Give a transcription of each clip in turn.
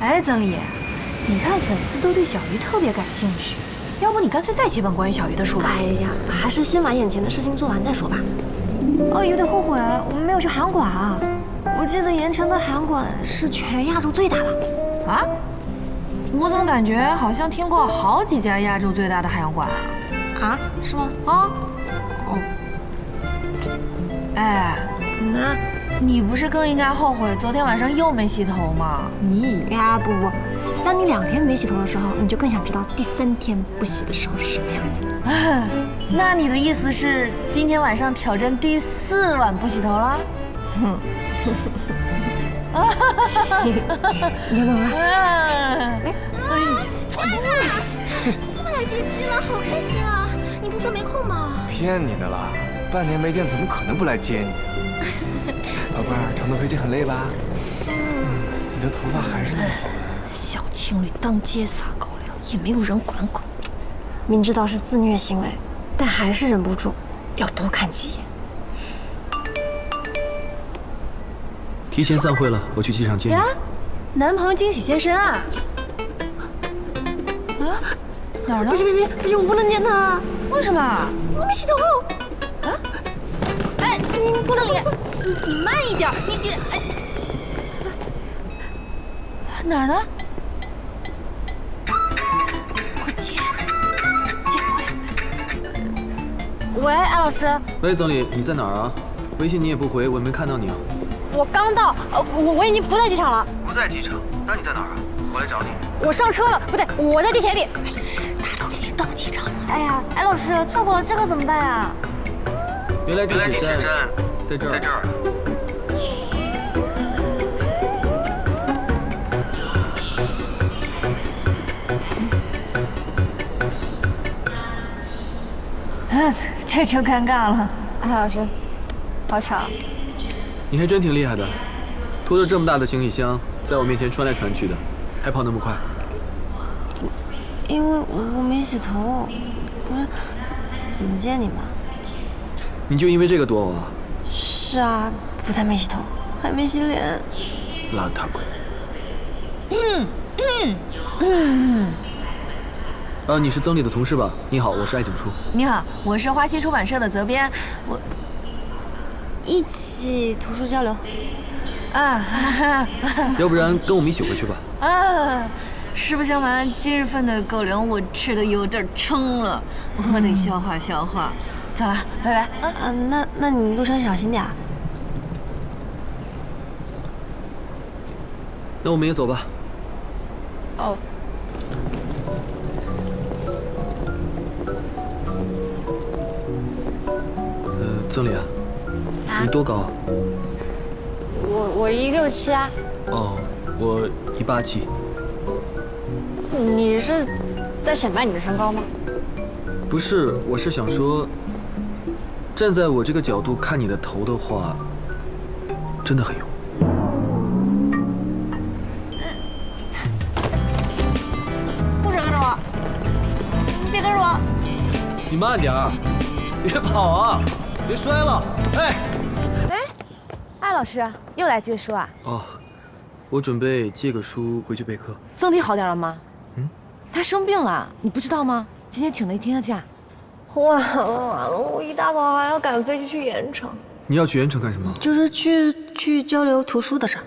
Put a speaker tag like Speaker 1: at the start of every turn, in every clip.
Speaker 1: 哎，曾丽，你看粉丝都对小鱼特别感兴趣，要不你干脆再写本关于小鱼的书吧？
Speaker 2: 哎呀，还是先把眼前的事情做完再说吧。
Speaker 1: 哦，有点后悔，我们没有去韩馆啊。
Speaker 2: 我记得盐城的韩馆是全亚洲最大的。
Speaker 1: 啊？我怎么感觉好像听过好几家亚洲最大的海洋馆啊？
Speaker 2: 啊？是吗？
Speaker 1: 啊？哦。哎，
Speaker 2: 那
Speaker 1: 你不是更应该后悔昨天晚上又没洗头吗？咦
Speaker 2: 呀，不，当你2天没洗头的时候，你就更想知道第3天不洗的时候是什么样子。
Speaker 1: 那你的意思是今天晚上挑战第4晚不洗头了？哼。
Speaker 2: 你要不要来？
Speaker 1: 哎，
Speaker 3: 亲爱的，你怎么来接机了？好开心啊！你不说没空吗？
Speaker 4: 骗你的啦，半年没见，怎么可能不来接你？宝贝儿，乘坐飞机很累吧？你的头发还是那么好看。
Speaker 1: 小情侣当街撒狗粮，也没有人管管。
Speaker 2: 明知道是自虐行为，但还是忍不住要多看几眼。
Speaker 5: 提前散会了，我去机场接你。
Speaker 1: 呀，男朋友惊喜现身啊！啊，哪儿呢？
Speaker 2: 不是，我不能见他。
Speaker 1: 为什么？
Speaker 2: 我没洗头。
Speaker 1: 啊？哎，曾丽，你慢一点，你哎，哪儿呢？我接过来。
Speaker 2: 喂，艾老师，
Speaker 5: 喂，总理，你在哪儿啊？微信你也不回，我也没看到你啊。
Speaker 2: 我刚到，我已经不在机场了。
Speaker 5: 不在机场？那你在哪儿啊？我来找你。
Speaker 2: 我上车了，不对，我在地铁里。
Speaker 1: 他都已经到机场了。
Speaker 2: 哎呀，艾老师，错过了这可怎么办啊？
Speaker 5: 原来地铁站在这儿。在这儿。
Speaker 1: 这就尴尬了。
Speaker 2: 艾老师，好巧。
Speaker 5: 你还真挺厉害的，拖着这么大的行李箱，在我面前穿来穿去的，还跑那么快。
Speaker 2: 因为我没洗头，不是，怎么见你嘛？
Speaker 5: 你就因为这个躲我啊？
Speaker 2: 是啊，不但没洗头，还没洗脸。
Speaker 5: 邋遢鬼。你是曾理的同事吧？你好，我是艾景初。
Speaker 1: 你好，我是花溪出版社的责编，我
Speaker 2: 一起图书交流。
Speaker 1: 啊，
Speaker 5: 要不然跟我们一起回去吧。
Speaker 1: 啊，实不相瞒，今日份的狗粮我吃的有点撑了，我得消化消化。走了，拜拜。
Speaker 2: 啊，那你路上小心点。
Speaker 5: 那我们也走吧。
Speaker 2: 哦。
Speaker 5: 曾理啊，你多高啊？
Speaker 2: 我167啊。
Speaker 5: 哦，我187。
Speaker 2: 你是在显摆你的身高吗？
Speaker 5: 不是，我是想说，站在我这个角度看你的头的话，真的很油。
Speaker 2: 不准跟着我！你别跟着我！
Speaker 5: 你慢点儿，别跑啊！别摔了！哎，
Speaker 6: 艾老师又来借书啊？
Speaker 5: 哦，我准备借个书回去备课。
Speaker 6: 曾理好点了吗？他生病了，你不知道吗？今天请了1天的假。
Speaker 2: 完了，我一大早还要赶飞机去盐城。
Speaker 5: 你要去盐城干什么？
Speaker 2: 就是去交流图书的事。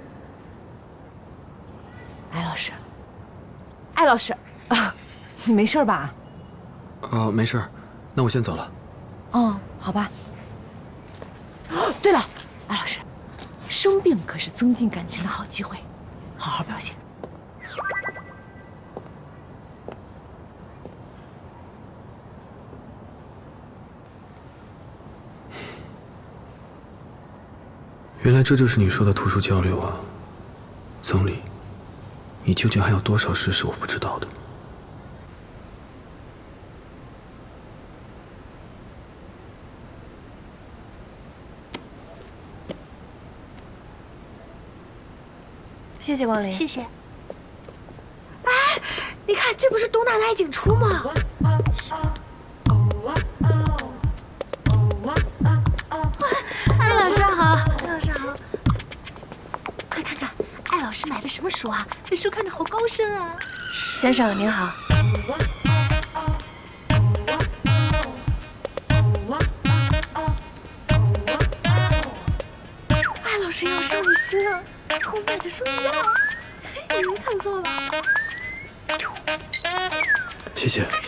Speaker 6: 艾老师啊，你没事吧？
Speaker 5: 没事儿，那我先走了。
Speaker 6: 哦，好吧。对了，艾老师，生病可是增进感情的好机会，好好表现。
Speaker 5: 原来这就是你说的图书交流啊，曾理，你究竟还有多少事是我不知道的？
Speaker 1: 谢谢光临。
Speaker 2: 谢谢。
Speaker 6: 哎，你看，这不是东大的艾景初吗？
Speaker 2: 艾老师好，艾老师好。快看看，艾老
Speaker 6: 师买的什么书啊？这书看着好高深啊！
Speaker 2: 先生您好。
Speaker 6: 艾老师有少女心啊，和我买的书一样，你没看错吧？
Speaker 5: 谢谢。